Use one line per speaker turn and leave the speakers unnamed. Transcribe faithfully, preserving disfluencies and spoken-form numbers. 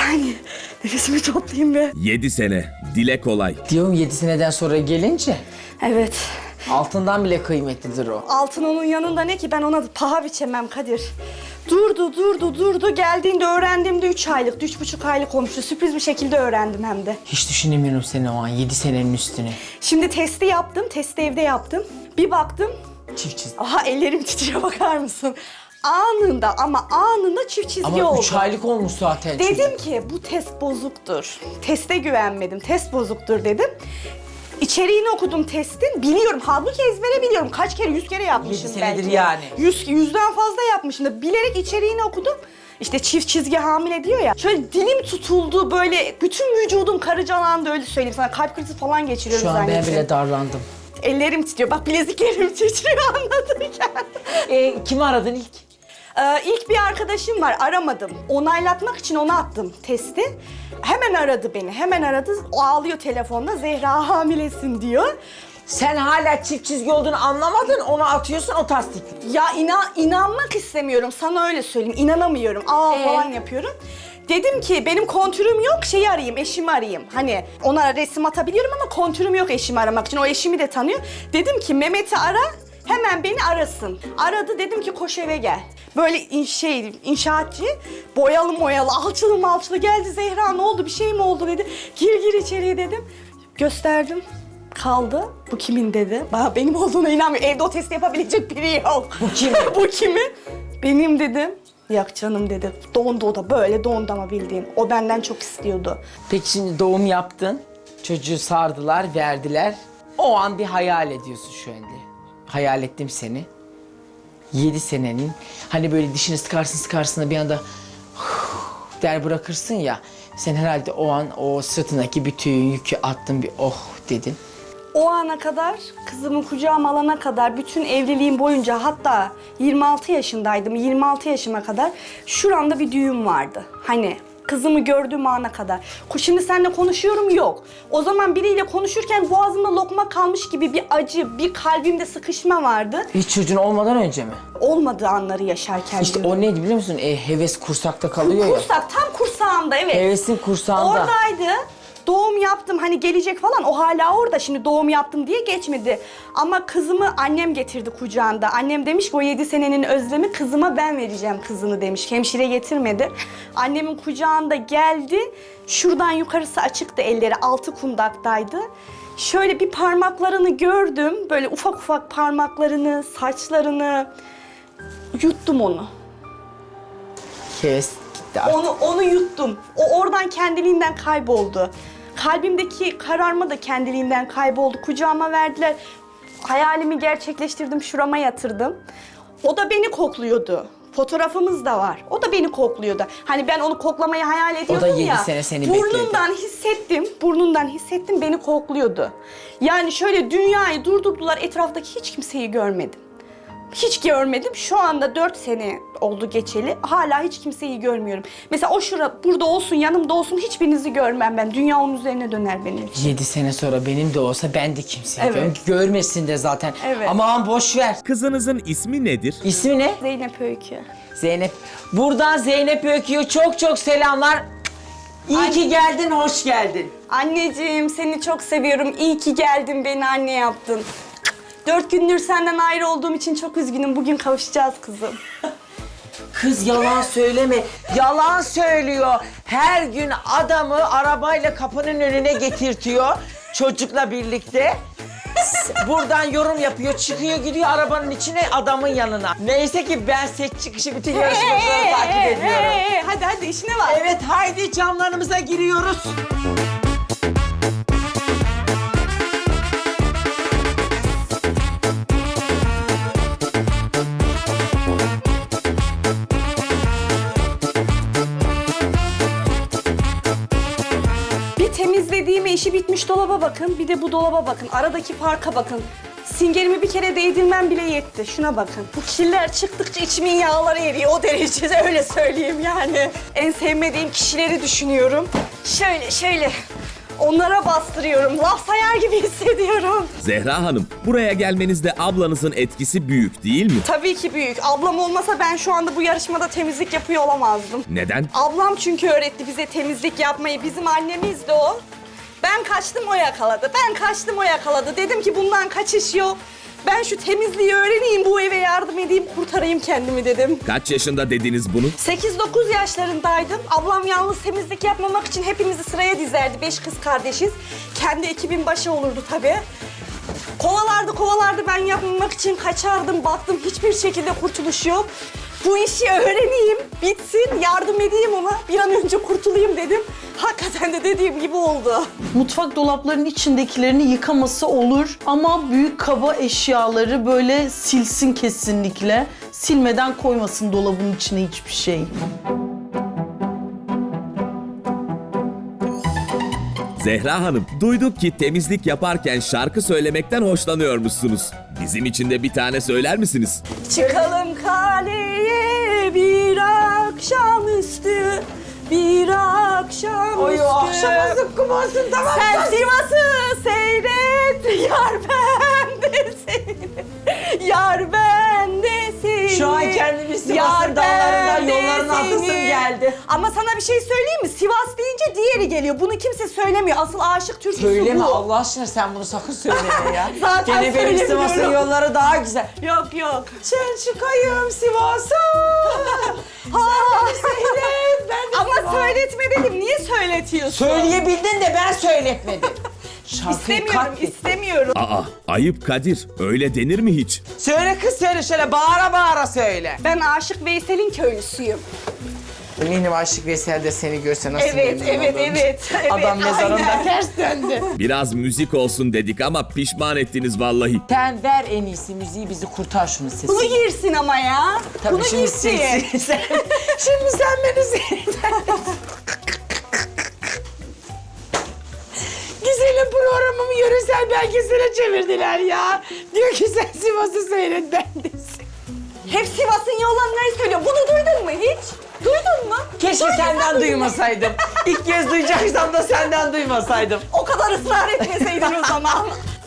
saniye. Nefesimi toplayayım be.
yedi sene. Dile kolay.
Diyorum yedi seneden sonra gelince
Evet.
altından bile kıymetlidir o.
Altın onun yanında ne ki, ben ona paha biçemem Kadir. Durdu durdu durdu, geldiğinde öğrendiğimde üç aylık, üç buçuk aylık olmuştu. Sürpriz bir şekilde öğrendim hem de.
Hiç düşünemiyorum seni o an yedi senenin üstüne.
Şimdi testi yaptım, testi evde yaptım. Bir baktım,
Çift çizgi.
aha ellerim titriyor, bakar mısın? Anında ama anında çift çizgi
Ama
oldu.
üç aylık olmuş zaten.
Dedim ki bu test bozuktur. Teste güvenmedim, test bozuktur dedim. İçeriğini okudum testin, biliyorum. Halbuki ezbere biliyorum. Kaç kere, yüz kere yapmışım
Yedi senedir
belki.
yani.
Yüz, yüzden fazla yapmışım da bilerek içeriğini okudum. İşte çift çizgi hamile diyor ya. Şöyle dilim tutuldu, böyle bütün vücudum karıcalandı, öyle söyleyeyim sana. Kalp krizi falan geçiriyorum
Şu an ben
zannettim.
bile darlandım.
Ellerim titriyor. Bak bileziklerim titriyor anlatırken.
E, kimi aradın ilk?
Ee, ilk bir arkadaşım var, aramadım. Onaylatmak için ona attım testi. Hemen aradı beni, hemen aradı. O ağlıyor telefonda, Zehra hamilesin diyor.
Sen hala çift çizgi olduğunu anlamadın, onu atıyorsun o tasdik.
Ya inan, inanmak istemiyorum, sana öyle söyleyeyim. İnanamıyorum, aa
Ee?
falan yapıyorum. Dedim ki benim kontürüm yok, şeyi arayayım, eşimi arayayım. Hani ona resim atabiliyorum ama kontürüm yok eşimi aramak için. O eşimi de tanıyor. Dedim ki Mehmet'i ara, hemen beni arasın. Aradı, dedim ki koş eve gel. Böyle in, şey, inşaatçı, boyalı moyalı, alçılı malçılı geldi. Zehra ne oldu, bir şey mi oldu dedi. Gir gir içeriye dedim. Gösterdim. Kaldı. Bu kimin dedi. Bana benim olduğuna inanmıyor. Evde o testi yapabilecek biri yok.
Bu kimin?
Bu kimin? Benim dedim. Yak canım dedi. Dondu o da, böyle dondu ama bildiğin. O benden çok istiyordu.
Peki şimdi doğum yaptın, çocuğu sardılar, verdiler. O an bir hayal ediyorsun şu anda. Hayal ettim seni. Yedi senenin, hani böyle dişini sıkarsın sıkarsın da bir anda der bırakırsın ya. Sen herhalde o an o sırtındaki bütün yükü attın, bir oh dedin.
O ana kadar, kızımı kucağıma alana kadar, bütün evliliğim boyunca, hatta yirmi altı yaşındaydım, yirmi altı yaşıma kadar şuramda bir düğüm vardı. Hani kızımı gördüğüm ana kadar. Şimdi seninle konuşuyorum, yok. O zaman biriyle konuşurken boğazımda lokma kalmış gibi bir acı, bir kalbimde sıkışma vardı.
Hiç çocuğun olmadan önce mi?
Olmadığı anları yaşarken
İşte
diyorum.
o neydi biliyor musun? E, heves kursakta kalıyor ya.
Kursak, tam kursağımda, evet.
Hevesin kursağında.
Oradaydı. Doğum yaptım, hani gelecek falan, o hala orada. Şimdi doğum yaptım diye geçmedi. Ama kızımı annem getirdi kucağında. Annem demiş ki o yedi senenin özlemi, kızıma ben vereceğim kızını demiş. Hemşire getirmedi. Annemin kucağında geldi. Şuradan yukarısı açıktı elleri, altı kundaktaydı. Şöyle bir parmaklarını gördüm. Böyle ufak ufak parmaklarını, saçlarını. Yuttum onu.
Heves gitti artık.
Onu onu yuttum. O oradan kendiliğinden kayboldu. Kalbimdeki kararma da kendiliğinden kayboldu. Kucağıma verdiler. Hayalimi gerçekleştirdim, şurama yatırdım. O da beni kokluyordu. Fotoğrafımız da var. O da beni kokluyordu. Hani ben onu koklamayı hayal ediyordum ya.
yedi sene seni bekledi.
Burnundan hissettim, burnundan hissettim, beni kokluyordu. Yani şöyle dünyayı durdurdular, etraftaki hiç kimseyi görmedim. Hiç görmedim. Şu anda dört sene oldu geçeli. Hala hiç kimseyi görmüyorum. Mesela o şura burada olsun, yanımda olsun, hiçbirinizi görmem ben. Dünya onun üzerine döner benim için.
Yedi sene sonra benim de olsa ben de kimseyi
Evet.
görmem. Görmesin de zaten.
Evet.
Aman boş ver.
Kızınızın ismi nedir?
İsmi ne?
Zeynep Öykü.
Zeynep. Buradan Zeynep Öykü'ye çok çok selamlar. İyi
Ay.
ki geldin, hoş geldin.
Anneciğim seni çok seviyorum. İyi ki geldin, beni anne yaptın. Dört gündür senden ayrı olduğum için çok üzgünüm. Bugün kavuşacağız kızım.
Kız yalan söyleme. Yalan söylüyor. Her gün adamı arabayla kapının önüne getirtiyor. Çocukla birlikte. S- Buradan yorum yapıyor, çıkıyor gidiyor arabanın içine, adamın yanına. Neyse ki ben set çıkışı bütün yarışmaları takip ediyorum.
Ee, hadi hadi işine bak.
Evet, haydi camlarımıza giriyoruz.
Bir temizlediğime, işi bitmiş dolaba bakın, bir de bu dolaba bakın. Aradaki farka bakın. Singerimi bir kere değdirmem bile yetti. Şuna bakın. Bu kirler çıktıkça içimin yağları eriyor. O derecede, öyle söyleyeyim yani. En sevmediğim kişileri düşünüyorum. Şöyle şöyle. onlara bastırıyorum. Laf sayar gibi hissediyorum.
Zehra Hanım, buraya gelmenizde ablanızın etkisi büyük değil mi?
Tabii ki büyük. Ablam olmasa ben şu anda bu yarışmada temizlik yapıyor olamazdım.
Neden?
Ablam çünkü öğretti bize temizlik yapmayı. Bizim annemiz de o. Ben kaçtım, o yakaladı. Ben kaçtım, o yakaladı. Dedim ki bundan kaçış yok. Ben şu temizliği öğreneyim, bu eve yardım edeyim, kurtarayım kendimi dedim.
Kaç yaşında dediniz bunu?
sekiz dokuz yaşlarındaydım. Ablam yalnız temizlik yapmamak için hepimizi sıraya dizerdi. Beş kız kardeşiz. Kendi ekibin başı olurdu tabii. Kovalardı kovalardı, ben yapmamak için kaçardım. Baktım hiçbir şekilde kurtuluş yok. Bu işi öğreneyim, bitsin, yardım edeyim ona. Bir an önce kurtulayım dedim. Hakikaten de dediğim gibi oldu.
Mutfak dolaplarının içindekilerini yıkaması olur ama büyük kaba eşyaları böyle silsin kesinlikle. Silmeden koymasın dolabın içine hiçbir şey.
Zehra Hanım, duyduk ki temizlik yaparken şarkı söylemekten hoşlanıyormuşsunuz. Bizim için de bir tane söyler misiniz?
Çıkalım kaleye bir akşamüstü, bir akşamüstü.
Oy, o akşama zıkkım olsun, tamam mı?
Sen Sivas'ı seyret, yar ben de seni. Yar ben de seni.
Şu an kendimi Sivas'ın
Yar
dağlarından,
ben de
yollarına atlasım
seni.
geldi.
Ama sana bir şey söyleyeyim mi? Sivas deyince diğeri geliyor. Bunu kimse söylemiyor. Asıl aşık türküsü
Söyleme
bu.
Allah aşkına, sen bunu sakın söyleme ya.
Zaten
Gene benim
söylemiyorum.
Sivas'ın yolları daha güzel.
Yok yok.
Sen çıkayım Sivas'a.
Ha.
Seyret, ben de
Ama
Sivas.
söyletme dedim. Niye söyletiyorsun?
Söyleyebildin de ben söyletmedim. Şarkıyı
İstemiyorum,
katlet.
istemiyorum.
Aa, ayıp Kadir. Öyle denir mi hiç?
Söyle kız, söyle şöyle bağıra bağıra söyle.
Ben Aşık Veysel'in köylüsüyüm.
Eminim Aşık Veysel de seni görse nasıl
Evet,
memnun
evet,
olur.
evet, evet.
Adam mezarında
aynen.
ters döndü.
Biraz müzik olsun dedik ama pişman ettiniz vallahi.
Sen ver en iyisi müziği, bizi kurtar şunun sesini.
Bunu girsin ama ya.
Tabii
Bunu
şimdi
girsin.
sen- sen- şimdi sen beni seyret. Güzelim programımı yöresel belgesele çevirdiler ya. Diyor ki sen Sivas'ı seyret, ben de seyret.
Hep Sivas'ın yollarını söylüyor. Bunu duydun mu hiç? Duydun mu?
Keşke
Duydun
senden
mu?
duymasaydım. İlk kez duyacaksam da senden duymasaydım.
O kadar ısrar etmeseydin o zaman.